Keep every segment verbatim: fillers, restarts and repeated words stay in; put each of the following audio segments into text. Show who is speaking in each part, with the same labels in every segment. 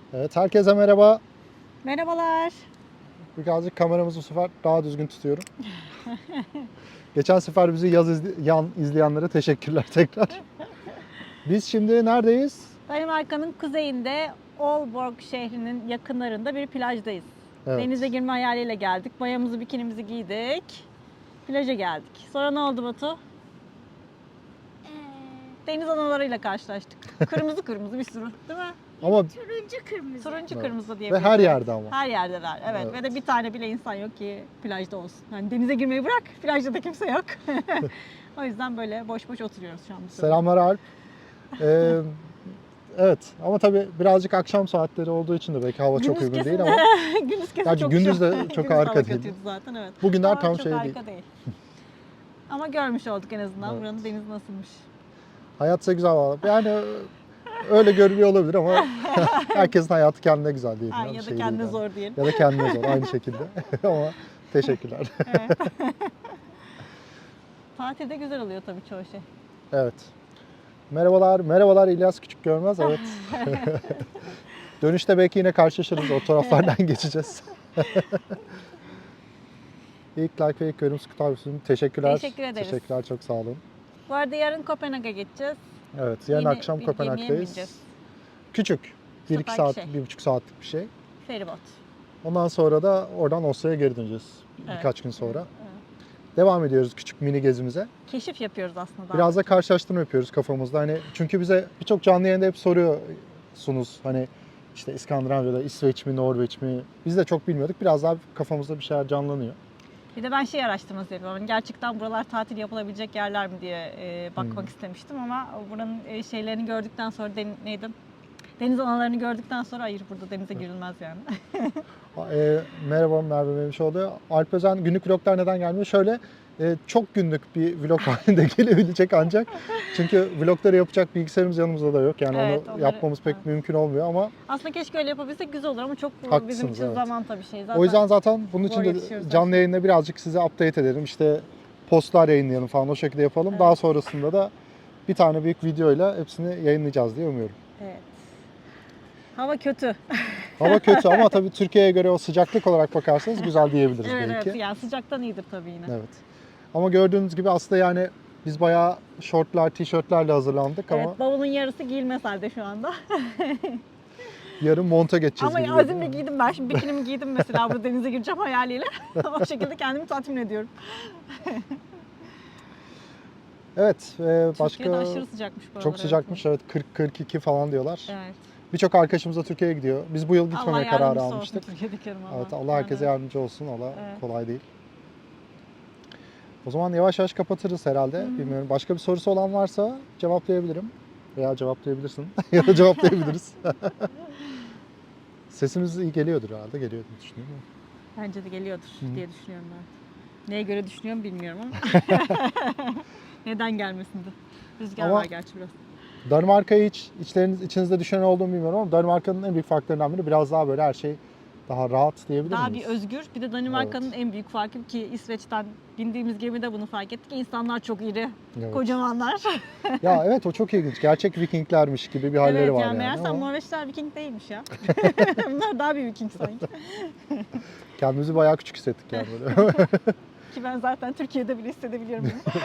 Speaker 1: Evet, herkese merhaba.
Speaker 2: Merhabalar.
Speaker 1: Birazcık kameramızı bu sefer daha düzgün tutuyorum. Geçen sefer bizi yaz izli- yan izleyenlere teşekkürler tekrar. Biz şimdi neredeyiz?
Speaker 2: Danimarka'nın kuzeyinde Aalborg şehrinin yakınlarında bir plajdayız.
Speaker 1: Evet.
Speaker 2: Denize girme hayaliyle geldik. Mayamızı, bikinimizi giydik. Plaja geldik. Sonra ne oldu Batu?
Speaker 3: Ee,
Speaker 2: Deniz analarıyla karşılaştık. Kırmızı kırmızı bir sürü, değil mi?
Speaker 1: Ama
Speaker 3: turuncu kırmızı.
Speaker 2: Turuncu
Speaker 1: Evet.
Speaker 2: kırmızı diye.
Speaker 1: ve her yerde ama.
Speaker 2: Her yerdeler. Evet.
Speaker 1: Evet.
Speaker 2: Ve de bir tane bile insan yok ki plajda olsun. Yani denize girmeyi bırak, plajda da kimse yok. O yüzden böyle boş boş oturuyoruz şu an. bu sırada.
Speaker 1: Selamlar Alp. Ee, evet ama tabii birazcık akşam saatleri olduğu için de belki hava çok
Speaker 2: Gündüz
Speaker 1: uygun
Speaker 2: kesin-
Speaker 1: değil ama
Speaker 2: gündüz kesin
Speaker 1: Gerçi
Speaker 2: çok
Speaker 1: gündüz
Speaker 2: şu-
Speaker 1: de çok
Speaker 2: gündüz
Speaker 1: harika
Speaker 2: hava
Speaker 1: değil.
Speaker 2: kötüydü zaten, evet.
Speaker 1: bugünler
Speaker 2: Ama
Speaker 1: tam
Speaker 2: çok
Speaker 1: şey
Speaker 2: harika
Speaker 1: değil.
Speaker 2: Ama görmüş olduk en azından
Speaker 1: Evet.
Speaker 2: buranın denizi nasılmış.
Speaker 1: Hayatsa güzel valla. Yani öyle görünüyor olabilir ama herkesin hayatı kendine güzel diyelim.
Speaker 2: Ha,
Speaker 1: ya,
Speaker 2: ya
Speaker 1: bir
Speaker 2: da
Speaker 1: şey
Speaker 2: kendine
Speaker 1: değil yani.
Speaker 2: zor diyelim.
Speaker 1: Ya da kendine zor aynı şekilde. Ama teşekkürler.
Speaker 2: Evet. Tatilde güzel oluyor tabii çoğu şey.
Speaker 1: Evet. Merhabalar, merhabalar İlyas Küçük Görmez. Evet. Dönüşte belki yine karşılaşırız. O taraflardan geçeceğiz. İlk like ve ilk yorum Scoot abisinin teşekkürler.
Speaker 2: Teşekkür ederiz.
Speaker 1: Teşekkürler, çok sağ olun.
Speaker 2: Bu arada yarın Kopenhag'a geçeceğiz.
Speaker 1: Evet, yarın
Speaker 2: Yine
Speaker 1: akşam
Speaker 2: bir gemiye
Speaker 1: Kopenhag'dayız.
Speaker 2: bineceğiz.
Speaker 1: Küçük. Bir iki
Speaker 2: Süper
Speaker 1: saat,
Speaker 2: bir şey.
Speaker 1: bir buçuk saatlik bir şey.
Speaker 2: Feribot.
Speaker 1: Ondan sonra da oradan Oslo'ya geri döneceğiz.
Speaker 2: Evet.
Speaker 1: Birkaç gün sonra.
Speaker 2: Evet.
Speaker 1: Devam ediyoruz küçük mini gezimize.
Speaker 2: Keşif yapıyoruz aslında. daha
Speaker 1: Biraz da
Speaker 2: doğrusu.
Speaker 1: karşılaştırma yapıyoruz kafamızda. Hani çünkü bize birçok canlı yayında hep soruyorsunuz. Hani işte İskandinavya'da İsveç mi, Norveç mi? Biz de çok bilmiyorduk. Biraz daha kafamızda bir şeyler canlanıyor.
Speaker 2: Bir de ben şey araştırması yapıyorum. Hani gerçekten buralar tatil yapılabilecek yerler mi diye e, bakmak
Speaker 1: Hmm.
Speaker 2: istemiştim ama buranın e, şeylerini gördükten sonra den, neydi? Deniz analarını gördükten sonra hayır burada denize girilmez yani.
Speaker 1: E, merhaba Merve Memişoğlu. Alp Özen günlük vloglar neden gelmiyor? Şöyle e, çok günlük bir vlog halinde gelebilecek ancak. Çünkü vlogları yapacak bilgisayarımız yanımızda da yok. Yani
Speaker 2: Evet,
Speaker 1: onu
Speaker 2: onları-
Speaker 1: yapmamız pek
Speaker 2: evet.
Speaker 1: mümkün olmuyor ama
Speaker 2: Aslında keşke öyle yapabilsek güzel olur ama çok bizim
Speaker 1: Haklısınız,
Speaker 2: için
Speaker 1: evet.
Speaker 2: zaman tabii şey. Zaten
Speaker 1: o yüzden zaten bunun için
Speaker 2: zor
Speaker 1: de
Speaker 2: yetişiyoruz
Speaker 1: canlı
Speaker 2: aslında.
Speaker 1: yayında birazcık size update edelim. İşte postlar yayınlayalım falan o şekilde yapalım.
Speaker 2: Evet.
Speaker 1: Daha sonrasında da bir tane büyük videoyla hepsini yayınlayacağız diye umuyorum.
Speaker 2: Evet. Hava kötü.
Speaker 1: Hava kötü ama tabii Türkiye'ye göre o sıcaklık olarak bakarsanız güzel diyebiliriz
Speaker 2: Evet
Speaker 1: belki.
Speaker 2: evet. Yani sıcaktan iyidir tabii yine.
Speaker 1: Evet. Ama gördüğünüz gibi aslında yani biz bayağı şortlar, tişörtlerle hazırlandık ama
Speaker 2: Evet, bavulun yarısı giyilmez halde şu anda.
Speaker 1: yarın monta geçeceğiz
Speaker 2: Ama
Speaker 1: gibi
Speaker 2: azimle
Speaker 1: geliyor.
Speaker 2: giydim ben. Şimdi bikinimi giydim mesela burada denize gireceğim hayaliyle. O şekilde kendimi tatmin ediyorum.
Speaker 1: Evet, e, başka
Speaker 2: Türkiye'de aşırı sıcakmış bu
Speaker 1: çok
Speaker 2: aralar,
Speaker 1: sıcakmış. Evet, kırk kırk iki falan diyorlar.
Speaker 2: Evet.
Speaker 1: Birçok arkadaşımız da Türkiye'ye gidiyor. Biz bu yıl
Speaker 2: Allah
Speaker 1: gitmemeye kararı
Speaker 2: yardımcısı olsun
Speaker 1: almıştık.
Speaker 2: Türkiye'dekilerim Allah.
Speaker 1: Evet, Allah herkese
Speaker 2: Yani.
Speaker 1: yardımcı olsun. Allah
Speaker 2: Evet.
Speaker 1: kolay değil. O zaman yavaş yavaş kapatırız herhalde.
Speaker 2: Hı.
Speaker 1: Bilmiyorum. Başka bir sorusu olan varsa cevaplayabilirim. Veya cevaplayabilirsin. ya da cevaplayabiliriz. Sesimiz iyi geliyordur herhalde. Geliyor diye düşünüyorum.
Speaker 2: Bence de geliyordur
Speaker 1: Hı.
Speaker 2: diye düşünüyorum ben. Neye göre düşünüyorum bilmiyorum ama. Neden gelmesin de. Rüzgar
Speaker 1: Ama-
Speaker 2: var gerçi biraz.
Speaker 1: Danimarka'yı hiç içleriniz, içinizde düşünen olduğunu bilmiyorum ama Danimarka'nın en büyük farklarından biri biraz daha böyle her şey daha rahat diyebilir
Speaker 2: Daha
Speaker 1: miyiz?
Speaker 2: bir özgür. Bir de Danimarka'nın
Speaker 1: Evet.
Speaker 2: en büyük farkı ki İsveç'ten bindiğimiz gemide bunu fark ettik. İnsanlar çok iri,
Speaker 1: Evet.
Speaker 2: kocamanlar.
Speaker 1: Ya evet o çok ilginç. Gerçek Vikinglermiş gibi bir halleri
Speaker 2: evet
Speaker 1: var
Speaker 2: yani
Speaker 1: yani.
Speaker 2: meğersem
Speaker 1: ama
Speaker 2: Norveçler Viking değilmiş ya. Bunlar daha bir Viking sanki.
Speaker 1: kendimizi bayağı küçük hissettik yani böyle.
Speaker 2: Ki ben zaten Türkiye'de bile hissedebiliyorum bunu.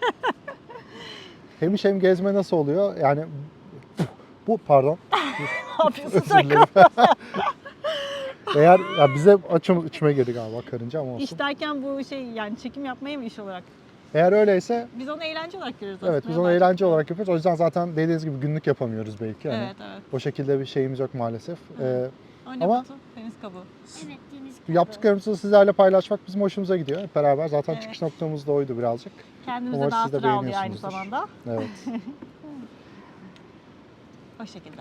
Speaker 1: Hem iş hem gezme nasıl oluyor? Yani bu pardon.
Speaker 2: Ne yapıyorsun
Speaker 1: Özür
Speaker 2: sen?
Speaker 1: dilerim. Eğer ya bize açım içime girdi galiba karınca ama olsun.
Speaker 2: İş derken bu şey yani çekim yapmaya mı iş olarak?
Speaker 1: Eğer öyleyse
Speaker 2: Biz onu eğlence olarak görüyoruz aslında.
Speaker 1: evet biz
Speaker 2: ya
Speaker 1: onu
Speaker 2: daha
Speaker 1: eğlence
Speaker 2: çok.
Speaker 1: olarak yapıyoruz. O yüzden zaten dediğiniz gibi günlük yapamıyoruz belki. Yani
Speaker 2: Evet evet.
Speaker 1: o şekilde bir şeyimiz yok maalesef.
Speaker 2: Evet.
Speaker 1: Ee,
Speaker 2: O ne
Speaker 1: Ama-
Speaker 2: Batu? Deniz kabuğu.
Speaker 3: Evet, deniz kabuğu.
Speaker 1: yaptıklarımızı sizlerle paylaşmak bizim hoşumuza gidiyor. Hep beraber zaten
Speaker 2: Evet.
Speaker 1: çıkış noktamız da oydu birazcık.
Speaker 2: Kendimize
Speaker 1: Umarım
Speaker 2: daha
Speaker 1: siz de
Speaker 2: sıra alıyor aynı
Speaker 1: beğeniyorsunuzdur.
Speaker 2: zamanda.
Speaker 1: Evet.
Speaker 2: O şekilde.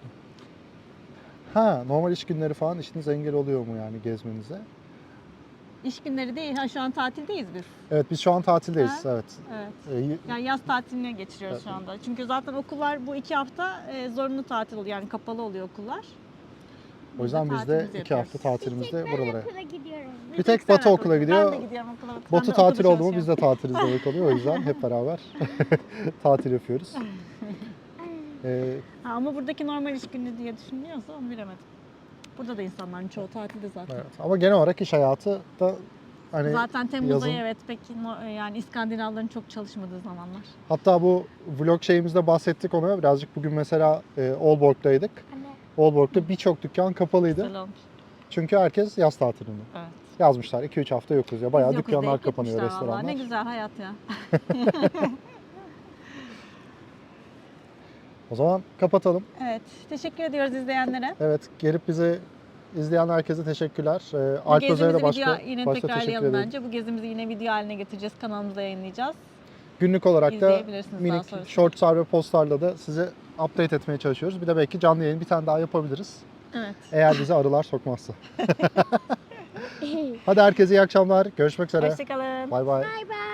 Speaker 1: Ha, normal iş günleri falan işiniz engel oluyor mu yani gezmenize?
Speaker 2: İş günleri değil. Ha şu an tatildeyiz biz.
Speaker 1: Evet biz şu an tatildeyiz.
Speaker 2: Ha?
Speaker 1: Evet.
Speaker 2: Evet.
Speaker 1: Ee,
Speaker 2: Yani yaz tatiline geçiriyoruz
Speaker 1: Evet.
Speaker 2: şu anda. Çünkü zaten okullar bu iki hafta e, zorunlu tatil oluyor. Yani kapalı oluyor okullar.
Speaker 1: o yüzden biz de
Speaker 2: tatilimizi
Speaker 1: iki hafta
Speaker 2: yapıyoruz.
Speaker 1: tatilimizde
Speaker 3: Ben
Speaker 1: buralara.
Speaker 3: okula gidiyorum.
Speaker 1: Bir tek
Speaker 2: sen
Speaker 1: Batu okula gidiyor.
Speaker 2: Ben de gidiyorum okula. Sen de
Speaker 1: Batu
Speaker 2: okulda
Speaker 1: tatil oldu mu
Speaker 2: çalışıyorsun.
Speaker 1: biz de tatiliz demek oluyor. O yüzden hep beraber tatil yapıyoruz. E,
Speaker 2: Ha, ama buradaki normal iş günü diye düşünüyorsa onu bilemedim. Burada da insanların çoğu tatilde zaten.
Speaker 1: evet. Ama genel olarak iş hayatı da hani
Speaker 2: Zaten Temmuz
Speaker 1: yazın-
Speaker 2: ayı evet peki no- yani İskandinavların çok çalışmadığı zamanlar.
Speaker 1: hatta bu vlog şeyimizde bahsettik ona. Birazcık bugün mesela e, Aalborg'daydık.
Speaker 3: Anne.
Speaker 1: Aalborg'da birçok dükkan kapalıydı.
Speaker 2: Güzel olmuş.
Speaker 1: Çünkü herkes yaz tatilinde.
Speaker 2: Evet.
Speaker 1: Yazmışlar iki üç hafta yokuz ya. Bayağı
Speaker 2: Biz yokuz
Speaker 1: dükkanlar
Speaker 2: deyip
Speaker 1: kapanıyor,
Speaker 2: gitmişler vallahi.
Speaker 1: restoranlar.
Speaker 2: Ne güzel hayat ya.
Speaker 1: O zaman kapatalım.
Speaker 2: Evet. Teşekkür ediyoruz izleyenlere.
Speaker 1: Evet, gelip bizi izleyen herkese teşekkürler. Ee,
Speaker 2: Bu
Speaker 1: Alp Özer'e
Speaker 2: gezimizi
Speaker 1: de başka,
Speaker 2: video yine
Speaker 1: başta teşekkür
Speaker 2: tekrarlayalım
Speaker 1: ederim.
Speaker 2: bence. Bu gezimizi yine video haline getireceğiz. Kanalımıza yayınlayacağız.
Speaker 1: Günlük olarak da
Speaker 2: İzleyebilirsiniz daha
Speaker 1: minik
Speaker 2: sonrasında.
Speaker 1: shortslar ve postlarla da sizi update etmeye çalışıyoruz. Bir de belki canlı yayın bir tane daha yapabiliriz.
Speaker 2: Evet.
Speaker 1: Eğer bizi arılar sokmazsa. Hadi herkese iyi akşamlar. Görüşmek üzere.
Speaker 2: Hoşçakalın.
Speaker 1: Bay bay.
Speaker 3: Bye bye.